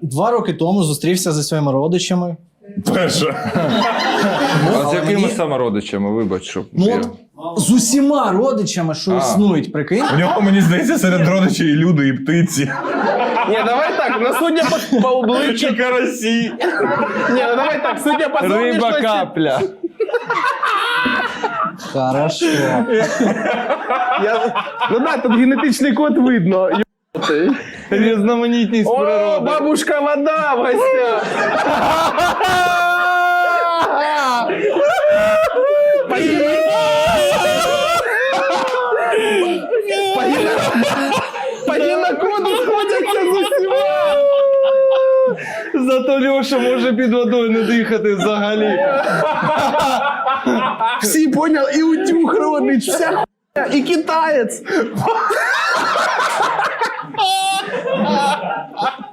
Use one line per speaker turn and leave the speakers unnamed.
2 роки тому зустрівся зі своїми родичами.
Перше.
А з якими саме родичами, вибач, щоб...
Ну, от, з усіма родичами, що існують, прикинь.
У нього, мені здається, серед родичів і люди, і птиці.
Ні, давай так, ну судя по обличчю...
І карасі.
Ні, ну давай так, судя по
Риба
зовнішності...
капля.
Хорошо.
Ну да, тут генетичний код видно.
Різноманітність
О,
природи.
бабушка вода в гостях. По генокоду сходяться з усіма.
Зато Льоша може під водою не дихати взагалі.
Всі понял, і утюг родич, вся хуйня, і китаєць.